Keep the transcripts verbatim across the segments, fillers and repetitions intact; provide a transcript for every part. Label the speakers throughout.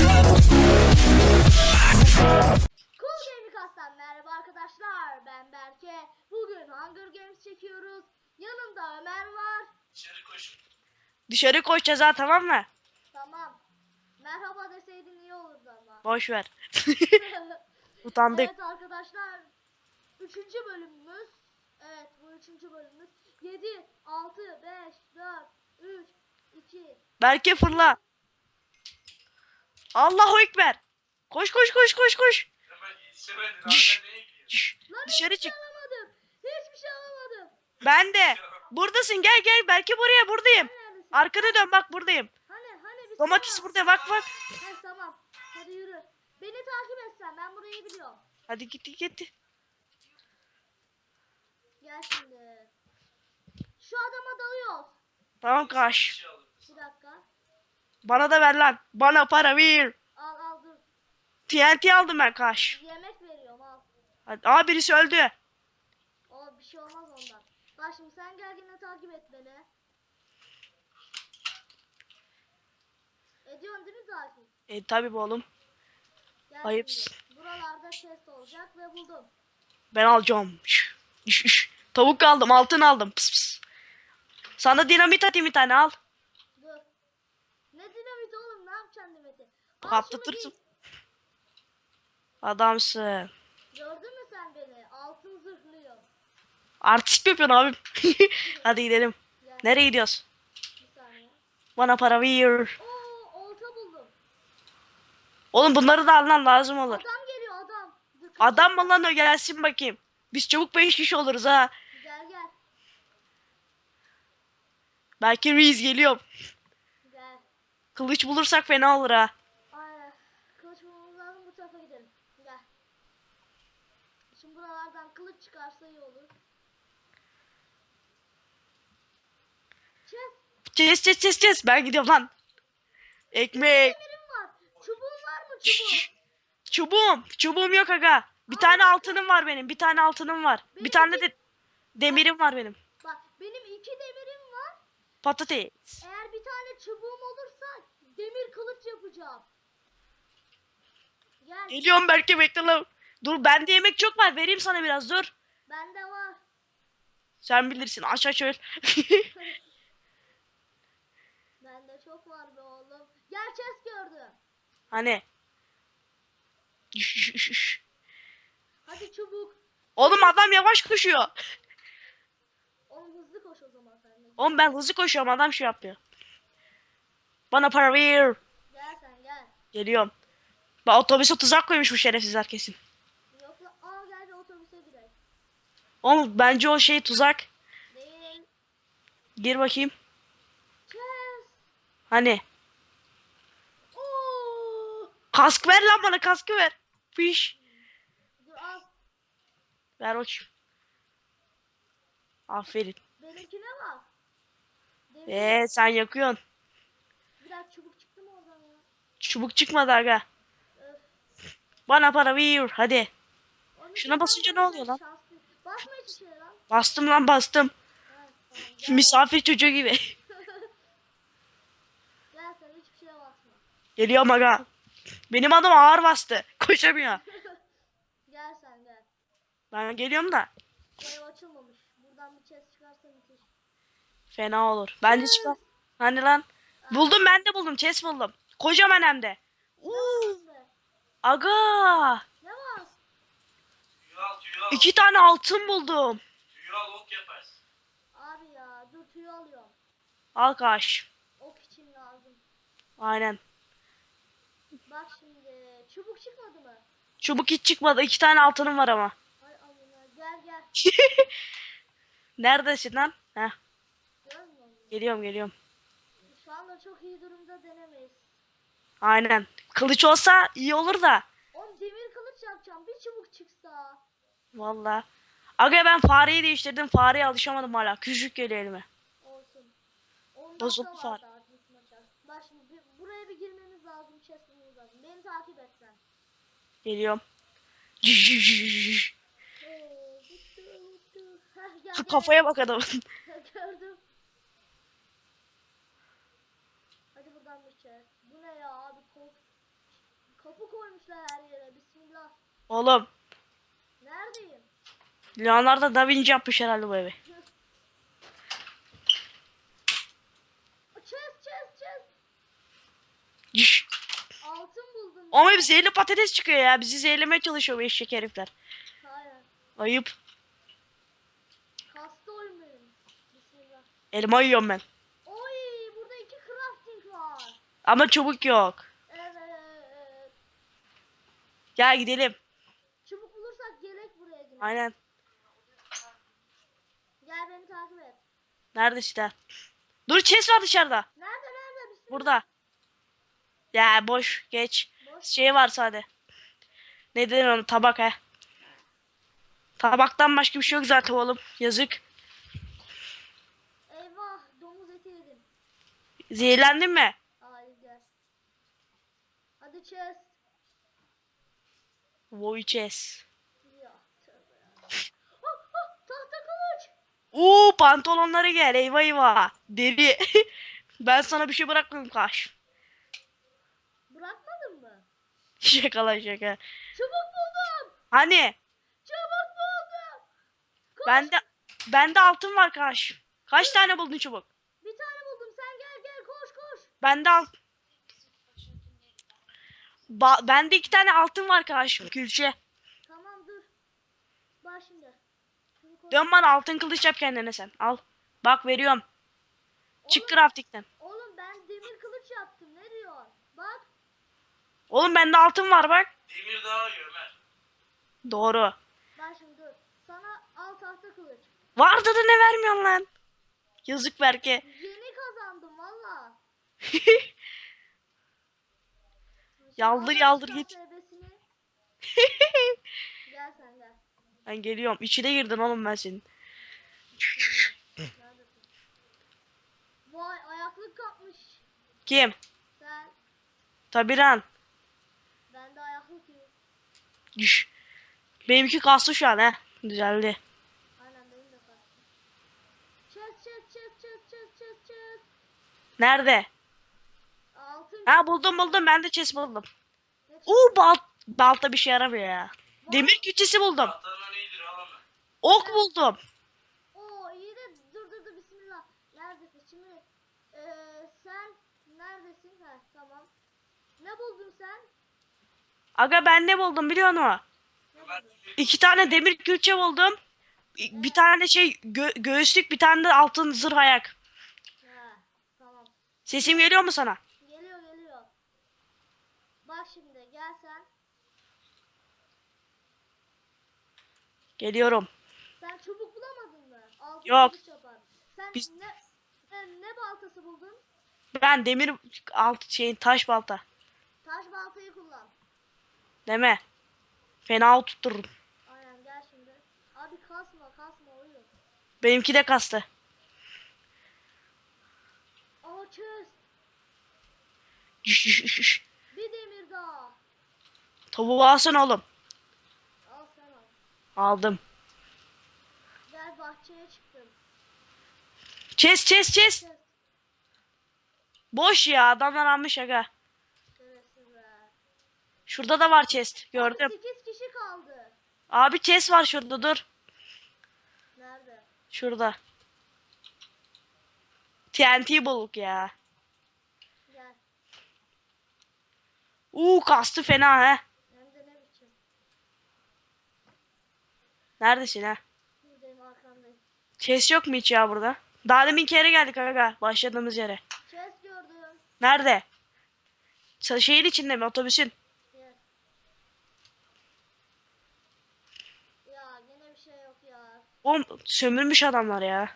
Speaker 1: Cool Gaming Kastan merhaba arkadaşlar, ben Berke. Bugün Hunger Games çekiyoruz. Yanımda Ömer var.
Speaker 2: Dışarı koş.
Speaker 3: Dışarı koşacağız ha, tamam mı?
Speaker 1: Tamam. Merhaba deseydin iyi olurdu ama.
Speaker 3: Boş ver. Utandık.
Speaker 1: Evet arkadaşlar. Üçüncü bölümümüz. Evet, bu üçüncü bölümümüz. Yedi, altı, beş, dört, üç, iki.
Speaker 3: Berke fırla. Allahu Ekber. Koş koş koş koş koş.
Speaker 2: Hemen yetişemedin.
Speaker 3: Şşş.
Speaker 2: Hala neye gidiyorsun?
Speaker 3: Şş,
Speaker 1: Lan
Speaker 3: dışarı
Speaker 1: hiçbir şey
Speaker 3: çık.
Speaker 1: alamadım. Hiçbir şey alamadım.
Speaker 3: Ben de. Buradasın, gel gel. Berke buraya, buradayım.
Speaker 1: Neredesin?
Speaker 3: Arkana dön, bak buradayım.
Speaker 1: Hani hani bir
Speaker 3: Domates
Speaker 1: şey var.
Speaker 3: burada, bak bak.
Speaker 1: He tamam. Hadi yürü. Beni takip etsen, ben burayı biliyorum.
Speaker 3: Hadi git git.
Speaker 1: Gel şimdi. Şu adama dalıyoruz.
Speaker 3: Tamam
Speaker 2: Bir
Speaker 3: kaş.
Speaker 2: şey alırız.
Speaker 1: Bir dakika.
Speaker 3: Bana da ver lan. Bana para ver.
Speaker 1: Al al dur.
Speaker 3: T N T aldım ben kaş.
Speaker 1: Yemek veriyorum al.
Speaker 3: Hadi. Aa, birisi öldü.
Speaker 1: O bir şey olmaz ondan. Bak şimdi sen gel yine takip et beni. Ediyorsun değil mi takip?
Speaker 3: E tabi bu oğlum.
Speaker 1: Gel
Speaker 3: Ayıpsın.
Speaker 1: şimdi. Buralarda chest olacak ve buldum.
Speaker 3: Ben alacağım. Şş, şş, şş. Tavuk aldım, altın aldım. Pıs pıs. Sana dinamit atayım bir tane, al.
Speaker 1: Dur. Ne dinamit oğlum, ne yapacaksın dinamiti? Al
Speaker 3: Patlatırsın.
Speaker 1: şunu giy.
Speaker 3: Adamsın.
Speaker 1: Gördün mü sen beni? Altın zırhlıyım.
Speaker 3: Artistik yapıyorsun abim. Hadi gidelim.
Speaker 1: Gel.
Speaker 3: Nereye gidiyoruz?
Speaker 1: Bir saniye.
Speaker 3: Bana para ver.
Speaker 1: Oo, olta buldum.
Speaker 3: Oğlum bunları da alman lazım olur.
Speaker 1: Adam geliyor adam. Dur, kaç-
Speaker 3: Adam mı lan o, gelsin bakayım. Biz çabuk beş kişi oluruz ha.
Speaker 1: Gel gel.
Speaker 3: Belki Reis geliyor.
Speaker 1: Gel.
Speaker 3: Kılıç bulursak fena olur ha.
Speaker 1: Aynen. Kılıç bulmamız lazım, bu tarafa gidelim. Gel. Şimdi buralardan kılıç çıkarsa iyi olur. Çek.
Speaker 3: Kes kes kes kes. Ben gidiyorum lan. Ekmek.
Speaker 1: Demirim var. Çubuğun var mı
Speaker 3: Şşş,
Speaker 1: çubuğun?
Speaker 3: şşş. Çubuğum. Çubuğum yok aga. Bir tane altınım var benim. Bir tane altınım var. Bir
Speaker 1: Benim
Speaker 3: tane
Speaker 1: iki-
Speaker 3: de demirim var benim.
Speaker 1: Bak benim iki demirim var.
Speaker 3: Patates.
Speaker 1: Eğer bir tane çubuğum olursa demir kılıç yapacağım. Gel.
Speaker 3: Geliyorum belki, bekle lan. Dur, bende yemek çok var. Vereyim sana biraz, dur.
Speaker 1: Bende var.
Speaker 3: Sen bilirsin. Aç aç öl.
Speaker 1: Bende çok var be oğlum. Gel chest gördüm.
Speaker 3: Hani. Şş, şş, şş.
Speaker 1: Hadi çubuk.
Speaker 3: Oğlum adam yavaş koşuyor.
Speaker 1: Oğlum hızlı koş o zaman sen de.
Speaker 3: Oğlum ben hızlı koşuyorum, adam şey yapıyor. Bana para ver.
Speaker 1: Gel sen gel.
Speaker 3: Geliyorum. Bak, otobüse tuzak koymuş bu şerefsizler kesin.
Speaker 1: Yok la. Aa gel bir otobüse gidelim.
Speaker 3: Oğlum bence o şey tuzak.
Speaker 1: Değil.
Speaker 3: Gir bakayım.
Speaker 1: Chest.
Speaker 3: Hani.
Speaker 1: Oo.
Speaker 3: Kask ver lan bana, kaskı ver. Fiş.
Speaker 1: Dur al.
Speaker 3: Ver bakayım. Aferin.
Speaker 1: Benimkine bak. Demir.
Speaker 3: Eee sen yakıyorsun.
Speaker 1: Biraz çubuk çıktı mı oradan ya?
Speaker 3: Çubuk çıkmadı aga.
Speaker 1: Öf.
Speaker 3: Bana para ver hadi.
Speaker 1: Onun
Speaker 3: Şuna
Speaker 1: için
Speaker 3: basınca
Speaker 1: ben
Speaker 3: ne oluyor lan?
Speaker 1: şanslı- Basma hiçbir şey lan.
Speaker 3: Bastım lan, bastım.
Speaker 1: Ha, tamam, gel.
Speaker 3: Misafir çocuğu gibi.
Speaker 1: Gel sen hiçbir şeye basma.
Speaker 3: Geliyorum aga. Benim adım ağır bastı. Koşamıyor.
Speaker 1: Gel sen gel.
Speaker 3: Ben geliyorum da.
Speaker 1: Ev açılmamış. Buradan bir chest çıkarsa müthiş.
Speaker 3: Fena olur. Ben de çıkar. Hani lan. Buldum, ben de buldum. Chest buldum. Kocaman hem de.
Speaker 1: Ne
Speaker 3: Uuu.
Speaker 1: var be?
Speaker 3: Aga.
Speaker 1: Ne var?
Speaker 2: Tüyü al tüyü al.
Speaker 3: İki tane altın buldum.
Speaker 2: Tüyü al ok yaparsın.
Speaker 1: Abi ya dur tüyü alıyorum.
Speaker 3: Al kaş.
Speaker 1: Ok için lazım.
Speaker 3: Aynen.
Speaker 1: Bak şimdi çubuk çıkmadı mı?
Speaker 3: Çubuk hiç çıkmadı. İki tane altınım var ama.
Speaker 1: Hay amına gel gel.
Speaker 3: Neredesin lan? Heh.
Speaker 1: Görmüyor musun?
Speaker 3: Geliyorum geliyorum.
Speaker 1: Şu anda çok iyi durumda denemeyiz.
Speaker 3: Aynen. Kılıç olsa iyi olur da.
Speaker 1: Oğlum demir kılıç yapacağım. Bir çubuk çıksa.
Speaker 3: Vallahi. Aga ben fareyi değiştirdim. Fareye alışamadım hala. Küçük geliyor elime.
Speaker 1: Olsun. on
Speaker 3: Bozuldu
Speaker 1: dakika var
Speaker 3: fare.
Speaker 1: daha bitmeyecek. Bak şimdi bir- buraya bir girmemiz lazım. Chest bulmamız lazım. Beni takip et sen.
Speaker 3: Geliyorum.
Speaker 1: Oo, bitti, bitti. Heh, gel, gel.
Speaker 3: Kafaya bak adamın.
Speaker 1: Gördüm. Hadi buradan bir chest. Bu ne ya abi kork. Kapı koymuşlar her yere. Bismillah.
Speaker 3: Oğlum
Speaker 1: Neredeyim?
Speaker 3: Leonardo da Vinci yapmış herhalde bu evi.
Speaker 1: Chest chest chest.
Speaker 3: Şş.
Speaker 1: Altın buldum.
Speaker 3: Ama hep zehirli patates çıkıyor ya. Bizi zehirlemeye çalışıyor bu eşek herifler.
Speaker 1: Aynen.
Speaker 3: Ayıp.
Speaker 1: Kastı oyun benim. Bismillah.
Speaker 3: Elma yiyorum ben.
Speaker 1: Oy burada iki crafting var.
Speaker 3: Ama çubuk yok.
Speaker 1: Evet.
Speaker 3: Gel gidelim.
Speaker 1: Çubuk bulursak gerek buraya yine.
Speaker 3: Aynen.
Speaker 1: Gel beni takip et.
Speaker 3: Nerede işte? Dur chest var dışarıda.
Speaker 1: Nerede nerede? Bismillah.
Speaker 3: Burada. Ya boş geç.
Speaker 1: Boş.
Speaker 3: Şey var sade. Ne denir onu? Tabak he. Tabaktan başka bir şey yok zaten oğlum. Yazık.
Speaker 1: Eyvah domuz eti yedim.
Speaker 3: Zehirlendin mi?
Speaker 1: Hayır gel. Hadi chest.
Speaker 3: Voy chest.
Speaker 1: Ya tövbe ya. Ah, ah, tahta kılıç.
Speaker 3: Uuu pantolonları gel. Eyvah eyvah. Deri. Ben sana bir şey bırakmadım kaş.
Speaker 1: Bırakmadın mı?
Speaker 3: Şaka şaka.
Speaker 1: Çubuk buldum.
Speaker 3: Hani?
Speaker 1: Çubuk buldum. Koş.
Speaker 3: Bende bende altın var kaş. Kaç tane buldun çubuk?
Speaker 1: Bir tane buldum. Sen gel gel koş koş.
Speaker 3: Bende al. Ba bende iki tane altın var kaş. Külçe.
Speaker 1: Tamam dur. Bak şimdi. Şunu koy.
Speaker 3: Dön bana altın kılıç yap kendine sen. Al. Bak veriyorum. Çık
Speaker 1: Oğlum,
Speaker 3: crafting'den.
Speaker 1: oğlum ben demir kılıç yaptım. Ne diyor? Bak.
Speaker 3: Oğlum bende altın var bak.
Speaker 2: Demir daha iyi Ömer.
Speaker 3: Doğru.
Speaker 1: Bak şimdi dur. Sana al tahta kılıç.
Speaker 3: Vardı da ne vermiyorsun lan? Yazık Berke.
Speaker 1: Yeni kazandım valla.
Speaker 3: Yaldır
Speaker 1: Şimdi
Speaker 3: yaldır
Speaker 1: atarım
Speaker 3: git.
Speaker 1: sebesini. Gel sen gel.
Speaker 3: Ben geliyorum. İçine girdin oğlum ben senin.
Speaker 1: Neredesin? Vay ayaklık kapmış.
Speaker 3: Kim?
Speaker 1: Sen.
Speaker 3: Tabi lan.
Speaker 1: Bende ayaklık yok.
Speaker 3: Düş. Benimki kaslı şu an he. Düzeldi.
Speaker 1: Aynen benim de kaptım. Chest chest chest chest chest chest chest.
Speaker 3: Nerede?
Speaker 1: Altın.
Speaker 3: Ha buldum buldum. Ben de chest buldum.
Speaker 1: Ne çıktı?
Speaker 3: Oo balt balta bir şey yaramıyor ya.
Speaker 1: Vay.
Speaker 3: Demir küçesi buldum.
Speaker 2: Tahtanın iyidir al Ömer.
Speaker 3: Ok buldum.
Speaker 1: Oo iyi de dur dur dur bismillah. Neredesin şimdi? Eee sen neredesin? Ha tamam. Ne buldun sen?
Speaker 3: Aga ben ne buldum biliyor musun?
Speaker 1: Ne
Speaker 2: Ömer
Speaker 1: buldun?
Speaker 3: İki tane demir külçe buldum. Bir tane şey gö- göğüslük, bir tane de altın zırh ayak.
Speaker 1: Ha tamam.
Speaker 3: Sesim geliyor mu sana?
Speaker 1: Geliyor geliyor. Bak şimdi gel sen.
Speaker 3: Geliyorum.
Speaker 1: Sen çubuk bulamadın mı? Altın
Speaker 3: Yok.
Speaker 1: kılıç yapar. Sen
Speaker 3: Biz-
Speaker 1: ne sen ne baltası buldun?
Speaker 3: Ben demir alt şeyin taş balta.
Speaker 1: Taş baltayı kullan.
Speaker 3: Deme. Fena tuttururum.
Speaker 1: Aynen gel şimdi. Abi kasma kasma oyun.
Speaker 3: Benimki de kastı.
Speaker 1: Aa chest.
Speaker 3: Şş, şş, şş.
Speaker 1: Bir demir daha.
Speaker 3: Tavuğu alsana oğlum.
Speaker 1: Al sen al.
Speaker 3: Aldım.
Speaker 1: Gel bahçeye çıktım.
Speaker 3: Chest chest chest.
Speaker 1: Chest.
Speaker 3: Boş ya adamlar almış aga.
Speaker 1: Şerefsiz be.
Speaker 3: Şurada da var chest. Gördüm.
Speaker 1: Abi sekiz kişi kaldı.
Speaker 3: Abi chest var şurada dur.
Speaker 1: Nerede?
Speaker 3: Şurada. T N T bulduk ya.
Speaker 1: Gel.
Speaker 3: Uuu kastı fena he.
Speaker 1: Hem de ne biçim.
Speaker 3: Neredesin ha?
Speaker 1: Buradayım arkandayım.
Speaker 3: Chest yok mu hiç ya burada? Daha demin kere geldik aga. Başladığımız yere.
Speaker 1: Chest gördüm.
Speaker 3: Nerede? Sa- Şehir içinde mi otobüsün?
Speaker 1: Gel. Ya gene bir şey yok ya.
Speaker 3: Oğlum sömürmüş adamlar ya.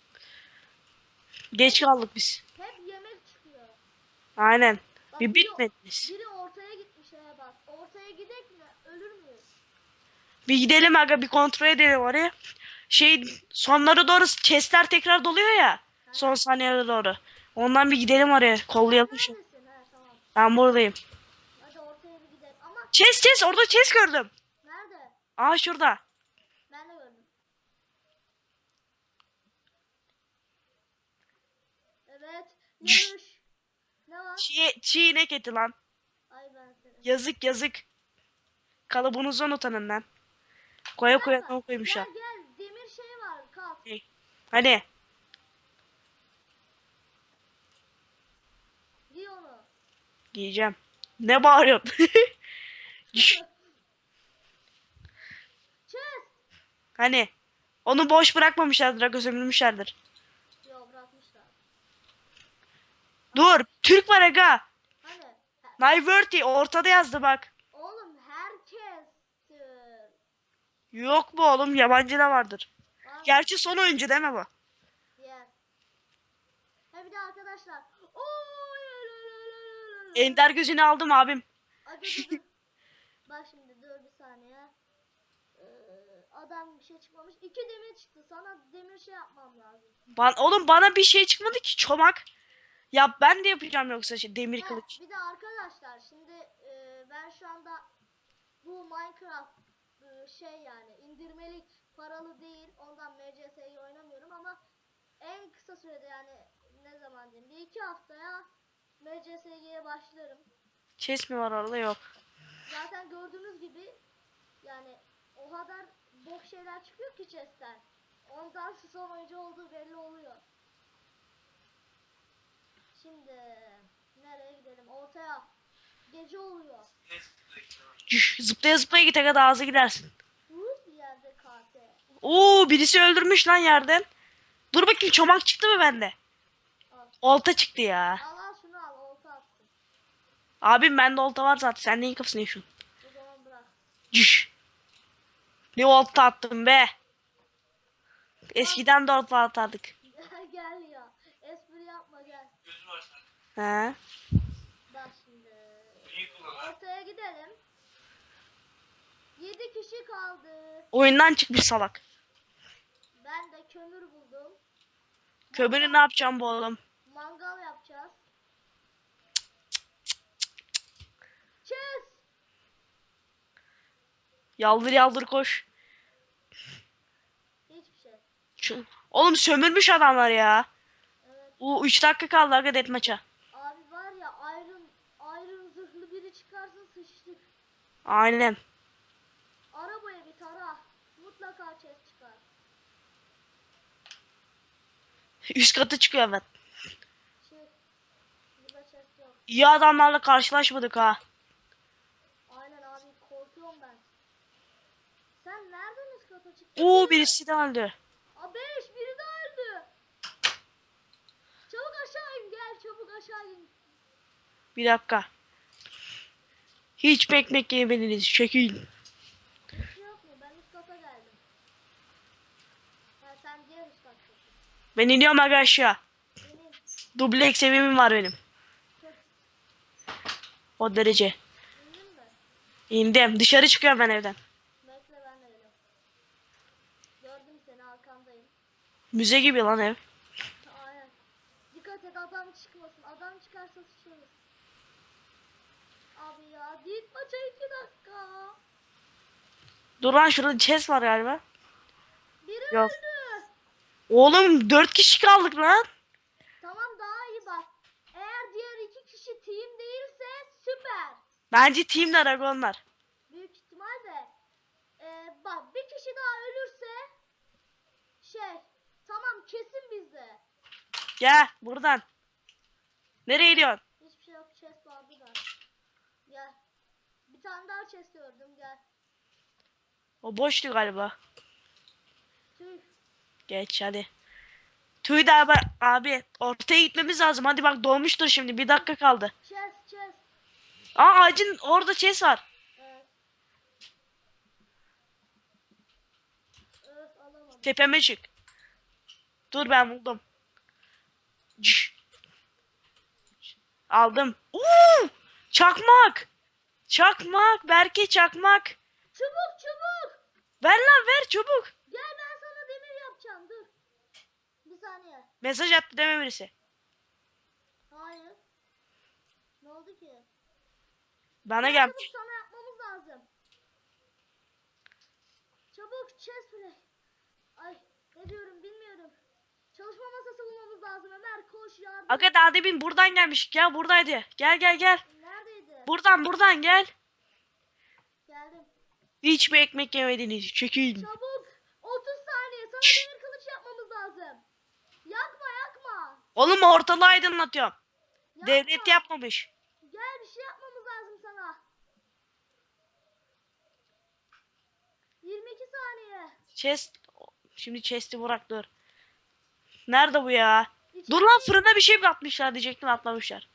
Speaker 3: Geç kaldık biz.
Speaker 1: Hep yemek çıkıyor.
Speaker 3: Aynen.
Speaker 1: Bak,
Speaker 3: Bir
Speaker 1: biri,
Speaker 3: bitmediniz.
Speaker 1: biri ortaya gitmiş he bak. Ortaya gidek mi? Ölür müyüz?
Speaker 3: Bir gidelim aga bir kontrol edelim oraya. Şey sonlara doğru chestler tekrar doluyor ya. Son saniyelere doğru. Ondan bir gidelim oraya. Kollayalım şu.
Speaker 1: Neredesin? He tamam.
Speaker 3: Ben buradayım.
Speaker 1: Hadi ortaya bir gidelim. Ama
Speaker 3: Chest chest orada chest gördüm.
Speaker 1: nerede?
Speaker 3: Aa şurada.
Speaker 1: Ben de gördüm. Evet. Yarış. Ne var?
Speaker 3: Çiğ, çiğ inek eti lan.
Speaker 1: Ay ben seni.
Speaker 3: Yazık yazık. Kalıbınızdan utanın lan. Koya koya ne koymuşlar.
Speaker 1: Gel gel demir şey var kalk.
Speaker 3: Hani
Speaker 1: Giy onu.
Speaker 3: giyeceğim. Ne bağırıyorsun? Şş,
Speaker 1: Çöz.
Speaker 3: hani onu boş bırakmamışlardır. Aga sömürmüşlerdir.
Speaker 1: Yo bırakmışlar.
Speaker 3: Dur. Türk var aga.
Speaker 1: Hani
Speaker 3: Nayverti ortada yazdı bak.
Speaker 1: oğlum herkes.
Speaker 3: Yok bu oğlum yabancı da vardır.
Speaker 1: Var.
Speaker 3: Gerçi son oyuncu değil mi bu?
Speaker 1: Diğer. Ha bir de arkadaşlar. Oy.
Speaker 3: Ender gözünü aldım abim.
Speaker 1: Ay, dur, dur, dur. Bak şimdi dur bir saniye. Ee, adam bir şey çıkmamış. İki demir çıktı. Sana demir şey yapmam lazım.
Speaker 3: Ban oğlum bana bir şey çıkmadı ki çomak. Ya ben de yapacağım yoksa şey, demir
Speaker 1: Ha,
Speaker 3: kılıç.
Speaker 1: bir de arkadaşlar şimdi e, ben şu anda bu Minecraft e, şey yani indirmelik paralı değil. Ondan M C S'yi oynamıyorum ama en kısa sürede yani ne zaman diyeyim bir iki haftaya M C S'ye başlarım.
Speaker 3: Chest mi var orada yok.
Speaker 1: Zaten gördüğünüz gibi yani o kadar bok şeyler çıkıyor ki chest'ten. Ondan son oyuncu olduğu belli oluyor. Şimdi nereye gidelim? Ortaya. Gece oluyor.
Speaker 3: Cüş, zıplaya zıplaya git aga daha hızlı gidersin.
Speaker 1: Hız yerde K T.
Speaker 3: Oo birisi öldürmüş lan yerden. Dur bakayım çomak çıktı mı bende?
Speaker 1: Al.
Speaker 3: Olta çıktı ya.
Speaker 1: Al al şunu al. Olta attım.
Speaker 3: Abim bende olta var zaten. Sen neyin kafasını yaşıyorsun?
Speaker 1: O zaman bırak.
Speaker 3: Cüş. Ne olta attım be. Eskiden de olta atardık.
Speaker 1: Gel ya. Espri yapma gel.
Speaker 2: Gözü var sen.
Speaker 3: He.
Speaker 1: Bak şimdi.
Speaker 2: İyi kullan.
Speaker 1: Ortaya gidelim. Yedi kişi kaldı.
Speaker 3: Oyundan çıkmış salak.
Speaker 1: Ben de kömür buldum.
Speaker 3: Kömürü ne yapacağım bu oğlum?
Speaker 1: Mangal yapacağız. Çöz.
Speaker 3: Yaldır yaldır koş.
Speaker 1: Hiçbir şey.
Speaker 3: Şu... Oğlum sömürmüş adamlar ya.
Speaker 1: Evet.
Speaker 3: O üç dakika kaldı aga deathmatch'a.
Speaker 1: Abi var ya Iron, Iron zırhlı biri çıkarsa sıçtık.
Speaker 3: Aynen.
Speaker 1: Arabaya bir tara. Mutlaka chest çıkar.
Speaker 3: Üst katı çıkıyor evet.
Speaker 1: Çık. Burada chest yok.
Speaker 3: İyi adamlarla karşılaşmadık ha.
Speaker 1: Aynen abi korkuyorum ben. Sen nereden üst kata çıktın?
Speaker 3: Oo birisi de öldü.
Speaker 1: Aa beş biri de öldü. Çabuk aşağı in gel çabuk aşağı in.
Speaker 3: Bir dakika. Hiç ekmek yemediniz. Şekil.
Speaker 1: Hiç şey yok mu? Ben üst kata geldim. Ha sen diğer üst kattasın.
Speaker 3: Ben iniyorum aga aşağı.
Speaker 1: Benim.
Speaker 3: Dubleks evimim var benim.
Speaker 1: Çok
Speaker 3: O derece.
Speaker 1: indin mi?
Speaker 3: İndim. Dışarı çıkıyorum ben evden.
Speaker 1: Bekle ben de geliyorum. Gördüm seni arkandayım.
Speaker 3: Müze gibi lan ev.
Speaker 1: Aynen. Dikkat et adam çıkmasın. Adam çıkarsa sıçarız. Abi ya git maça iki dakika.
Speaker 3: Dur lan şurada chest var galiba.
Speaker 1: Biri
Speaker 3: Yok.
Speaker 1: öldü.
Speaker 3: Oğlum dört kişi kaldık lan.
Speaker 1: Tamam daha iyi bak. Eğer diğer iki kişi team değilse süper.
Speaker 3: Bence team Dragonlar.
Speaker 1: Büyük ihtimal de. Ee, bak bir kişi daha ölürse şey tamam kesin bizde.
Speaker 3: Gel buradan. Nereye gidiyorsun?
Speaker 1: Hiçbir şey yok chest vardı da. Gel. Bir tane daha chest gördüm gel.
Speaker 3: O boştu galiba.
Speaker 1: Tüh.
Speaker 3: Geç hadi. Tüy de abi, abi ortaya gitmemiz lazım. Hadi bak dolmuştur şimdi. Bir dakika kaldı.
Speaker 1: Chest chest.
Speaker 3: Aa ağacın orada chest var.
Speaker 1: Evet. Öf alamadım.
Speaker 3: Tepeme çık. Dur ben buldum. Cış. Aldım. Uuu! Çakmak. Çakmak. Berke çakmak.
Speaker 1: Çubuk çubuk.
Speaker 3: Ver lan ver çabuk.
Speaker 1: Gel ben sana demir yapacağım dur. Bir saniye.
Speaker 3: Mesaj attı deme birisi.
Speaker 1: Hayır. Ne oldu ki?
Speaker 3: Bana
Speaker 1: Gel
Speaker 3: gelmiş.
Speaker 1: çabuk sana yapmamız lazım. Çabuk chest play. Ay ne diyorum bilmiyorum. Çalışma masası bulmamız lazım Ömer koş yardım.
Speaker 3: Aga daha demin buradan gelmiş. Gel buradaydı. Gel gel gel.
Speaker 1: Neredeydi?
Speaker 3: Buradan buradan gel. Hiçbir ekmek yemediniz. Çekin.
Speaker 1: Çabuk. otuz saniye. Sana demir kılıç yapmamız lazım. Yakma yakma.
Speaker 3: Oğlum ortalığı aydınlatıyorum.
Speaker 1: Yakma.
Speaker 3: Devlet yapmamış.
Speaker 1: Gel bir şey yapmamız lazım sana. yirmi iki saniye.
Speaker 3: Chest. Şimdi chest'i bırak dur. Nerede bu ya?
Speaker 1: İçeri-
Speaker 3: Dur lan, fırına bir şey mi atmışlar diyecektim, atlamışlar.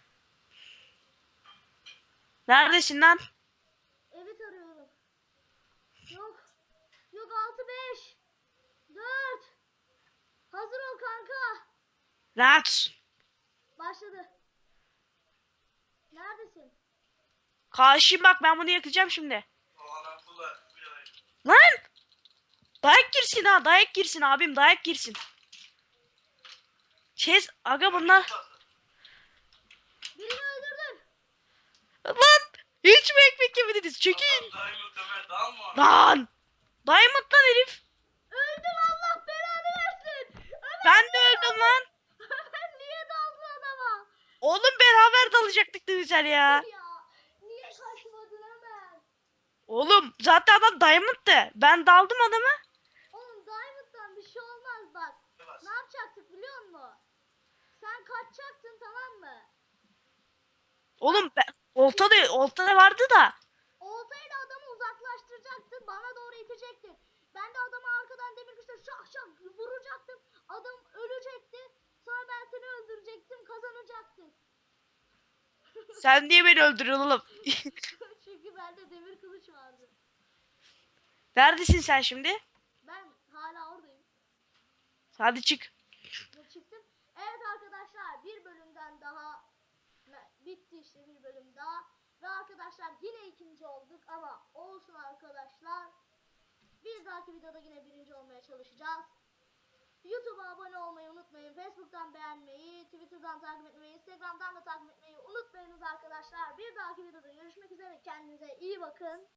Speaker 3: Neredesin lan?
Speaker 1: Evet arıyorum. Yok. Yok altı beş. dört. Hazır ol kanka.
Speaker 3: Lan.
Speaker 1: Başladı. Neredesin?
Speaker 3: Karşıyım bak, ben bunu yakacağım şimdi.
Speaker 2: O adam kula.
Speaker 3: Lan. Dayak girsin ha, dayak girsin abim, dayak girsin. Chest aga bunlar.
Speaker 1: Birini öldürdün.
Speaker 3: Lan. Hiç mi ekmek yemediniz? Çekin.
Speaker 2: Adam Diamond Ömer dalma.
Speaker 3: Lan. Diamond lan herif.
Speaker 1: Öldün Allah belanı versin. Ömer,
Speaker 3: Ben de öldüm lan.
Speaker 1: Ömer niye daldın adama?
Speaker 3: Oğlum beraber dalacaktık ne güzel ya.
Speaker 1: Ya niye kaçmadın Ömer?
Speaker 3: Oğlum zaten adam Diamond'tı. Ben daldım adama.
Speaker 1: Oğlum Diamond'dan bir şey olmaz bak. Ne yapacaktık biliyor musun? Sen kaçacaktın tamam mı?
Speaker 3: Oğlum ben, olta da, olta da vardı da.
Speaker 1: Oltayla adamı uzaklaştıracaktın. Bana doğru itecektin. Ben de adamı arkadan demir güçle şak şak vuracaktım. Adam ölecekti. Sonra ben seni öldürecektim. Kazanacaktık.
Speaker 3: Sen niye beni öldürüyorsun oğlum?
Speaker 1: Çünkü bende demir kılıç vardı.
Speaker 3: Neredesin sen şimdi?
Speaker 1: Ben hala oradayım.
Speaker 3: Hadi çık.
Speaker 1: Ve çıktım. Evet arkadaşlar bir bölümden daha bitti işte bir bölüm daha. Ve arkadaşlar yine ikinci olduk ama olsun arkadaşlar. Bir dahaki videoda yine birinci olmaya çalışacağız. YouTube'a abone olmayı unutmayın. Facebook'tan beğenmeyi, Twitter'dan takip etmeyi, Instagram'dan da takip etmeyi unutmayınız arkadaşlar. Bir dahaki videoda görüşmek üzere. Kendinize iyi bakın.